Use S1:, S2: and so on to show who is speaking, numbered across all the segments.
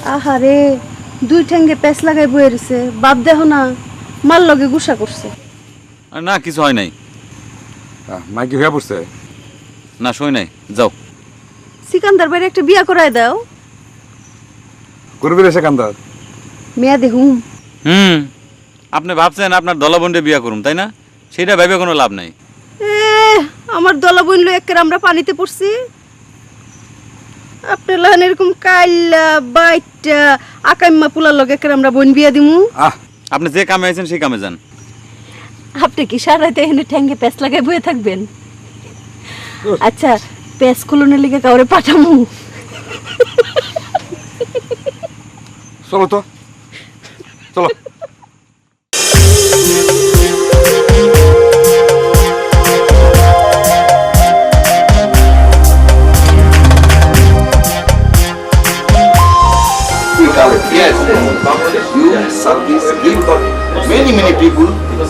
S1: আহারে দুই ঠ্যাঙ্গে প্যাঁচ লাগাই বয়ে রইছে, বাপ দেহ না মার লগে গুসা করছে।
S2: না কিছু হয় নাই।
S3: মাইকি হয়ে পড়ছে?
S2: না সই নাই, যাও।
S1: সিকান্দার বাইরে একটা বিয়া করায় দাও।
S3: করবি রে সেকান্দার?
S1: মেয়া দেহুম।
S2: আপনি ভাবছেন আপনার দলাবন্ডে বিয়া করুম, তাই না? সেটা ভেবে কোনো লাভ নাই।
S1: আমার দলা বইনলো একের আমরা পানিতে পড়ছি। আপনার লাহান এরকম কাইল্লা বাইটা আকাইম্মা পুলার লগে একের আমরা বোন বিয়া দিমু।
S2: আপনি যে কামে আছেন সেই কামে যান।
S1: আপনি কি সারাইতে এখানে ঠ্যাঙ্গে প্যাঁচ লাগাই বয়ে থাকবেন? আচ্ছা প্যাঁচ খুলনের লিগে কাউরে পাঠামু?
S3: চলো তো, চলো।
S4: Yes, you service give many people.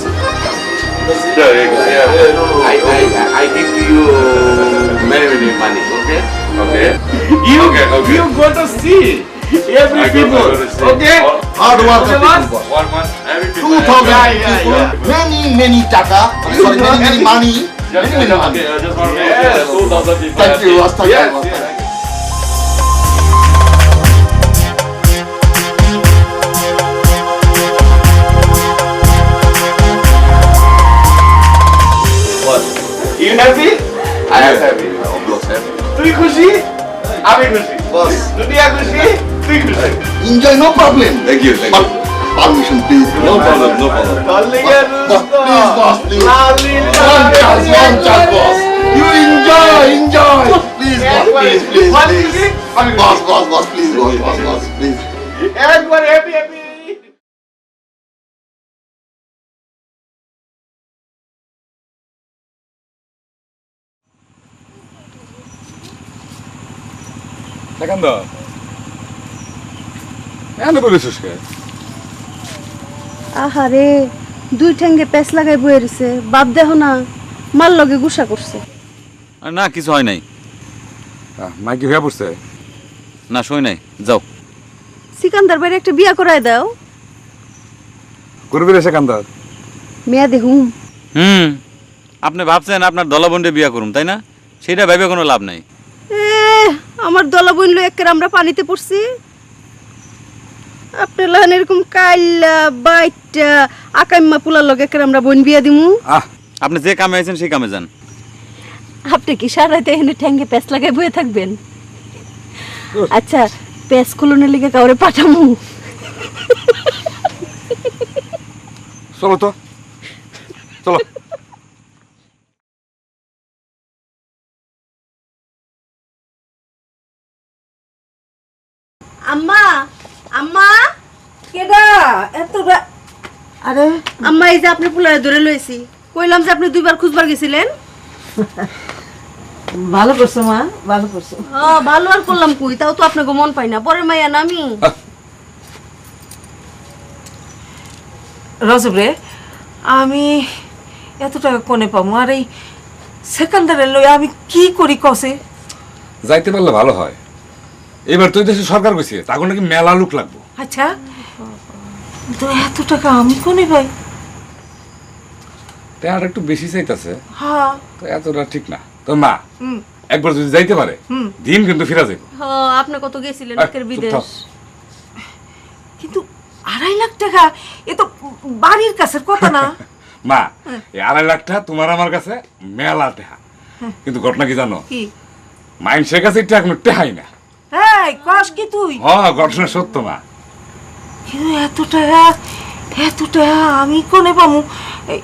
S4: I give you many money. Okay. You go to see every people. Okay. Hard work.
S3: One month, every
S4: 2,000 people. Many taka. Sorry, many money.
S3: Just one month. 2,000 people.
S4: Thank you.
S3: Yes.
S4: You happy?
S3: I am happy. Of course, happy.
S4: তুই খুশি? আমি খুশি।
S3: Boss.
S4: দুনিয়া খুশি? তুই খুশি?
S5: Enjoy, no problem.
S3: Thank you.
S5: But permission, please.
S3: No problem.
S5: Boss, one chance, boss. You enjoy. Please, boss, please. Boss, please, boss, please.
S4: Everybody happy.
S3: Sekandar, এনে বলেছিস কে?
S1: আহারে দুই ঠ্যাঙ্গে প্যাঁচ লাগাই বয়ে রইছে, বাপ দেহ না মার লগে গুসা করছে।
S2: না কিছু হয় নাই।
S3: মাইকি হয়ে পড়ছে?
S2: না সই নাই, যাও।
S1: সিকান্দার বাইরে একটা বিয়া করায় দাও।
S3: করবি রে সেকান্দার?
S1: মেয়া দেহুম।
S2: আপনি ভাবছেন আপনার দলাবন্ডে বিয়া করুম, তাই না? সেটা ভেবে কোনো লাভ নাই।
S1: আমার দলা বইনলো একের আমরা পানিতে পড়ছি। আপনার লাহান এরকম কাইল্লা বাইটা আকাইম্মা পুলার লগে একের আমরা বোন বিয়া দিমু।
S2: আপনি যে কামে আছেন সেই কামে যান।
S1: আপনি কি সারাইতে এখানে ঠ্যাঙ্গে প্যাঁচ লাগাই বয়ে থাকবেন? আচ্ছা প্যাঁচ খুলনের লিগে কাউরে পাঠামু?
S3: চলো তো, চলো।
S1: আম্মা আম্মা
S6: কেডা এত
S1: আরে আম্মা এই যে আপনি পুলারে ধরে লইছি, কইলাম যে আপনি দুইবার খুঁজবার গেছিলেন।
S6: ভালো করছো মা, ভালো করছো।
S1: ভালো আর করলাম কই, তাও তো আপনাকে মন পাই না। পরে মাইয়া না আমি।
S6: রজব রে, আমি এত টাকা কোনে পাবো? আর এই সেকেন্ডারে লই আমি কি করি কসে?
S3: যাইতে পারলে ভালো হয়। এবার তো দেশে সরকার কইছে তাকে নাকি মেলা লোক লাগবো।
S6: আচ্ছা তো এত টাকা আমি কোনে পাই?
S3: টাকাটা একটু বেশি চাইতেছে।
S6: হ্যাঁ
S3: তো এতটা ঠিক না। তো মা একবার যদি যাইতে পারে দিন কিন্তু ফিরা যাইব।
S1: আপনি কত গেছিলেন একের বিদেশ?
S6: কিন্তু 2.5 লাখ টাকা এ তো বাড়ির কাছের কথা না।
S3: মা এই 2.5 লাখ টাকা তোমার আমার কাছে মেলা টাকা, কিন্তু ঘটনা কি জানো?
S6: কি?
S3: মানুষের কাছে এটা এখনো টেহাই না।
S6: এই কস কি তুই?
S3: হ্যাঁ ঘটনা সত্য মা।
S6: কিন্তু এত টাকা আমি কোনে পামু? এই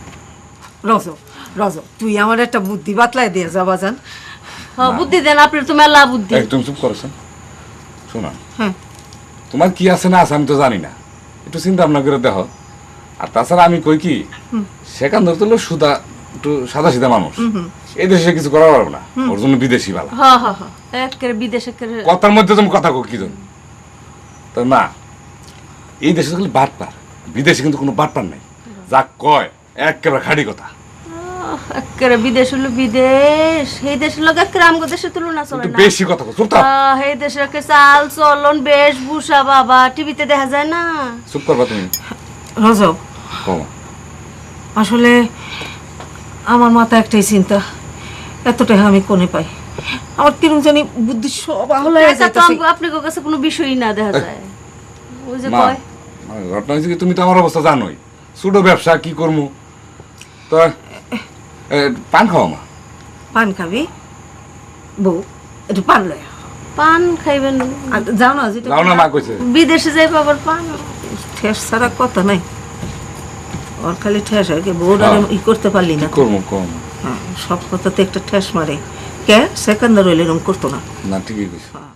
S6: রজব তুই আমার একটা বুদ্ধি বাতলাই দিয়ে যা বাজান।
S1: বুদ্ধি দেন, আপনার তো মেলা বুদ্ধি।
S3: একদম চুপ করেছেন। শোনা,
S6: হ্যাঁ
S3: তোমার কি আছে না আছে আমি তো জানি না, একটু চিন্তা ভাবনা করে দেখো। আর তাছাড়া আমি কই কি, সেখান ধরতে হলো সুদা একটু সাদা সিধা মানুষ, এই দেশে কিছু করা পারবো না, ওর জন্য বিদেশি বালা।
S1: একের বিদেশে
S3: কথার মধ্যে তুমি কথা কো কি জন্য? তো না, এই দেশে খালি বাটপার, বিদেশে কিন্তু কোনো বাটপার নাই। যা কয় একেবারে খাঁটি কথা।
S1: একেবারে বিদেশ হলো বিদেশ, এই দেশের লোক একেবারে আমগো দেশের তুলনা চলে
S3: একটু
S1: না।
S3: বেশি কথা কও, চুপ থাক।
S1: এই দেশের একে চাল চলন বেশভূষা বাবা টিভিতে দেখা যায় না।
S3: চুপ করবা তুমি।
S6: রজব,
S3: কও।
S6: আসলে আমার মাথা একটাই চিন্তা, এত টাকা আমি কোনে পাই? আমার কিরম জানি বুদ্ধি সব আহলা হয়ে
S1: টাকা তো
S6: যাইতাছে।
S1: আপনার কাছে কোনো বিষয়ই না দেখা যায়। ওই যে
S3: মা,
S1: কয়
S3: মানে ঘটনা হয়েছে কি, তুমি তো আমার অবস্থা জানোই, ছোট ব্যবসা কি করবো। তো পান খাওয়া মা।
S6: পান খাবি? বউ একটু পান লয়।
S1: পান খাইবেন?
S6: আর যাও না, যেটা
S3: যাও না, মা কইছে।
S1: বিদেশে যাই পাবার পান।
S6: ঠেস ছাড়া কথা নাই, ওর খালি ঠেস হয়। বউরা
S3: হ্যাঁ।
S6: ই করতে পারলি না
S3: কি
S6: তো।
S3: করবো কম।
S6: হ্যাঁ, সব কথাতে একটা ঠেস মারে। কে সেকেন্ডার হইলে এরকম করতো না।
S3: না ঠিকই কইছো।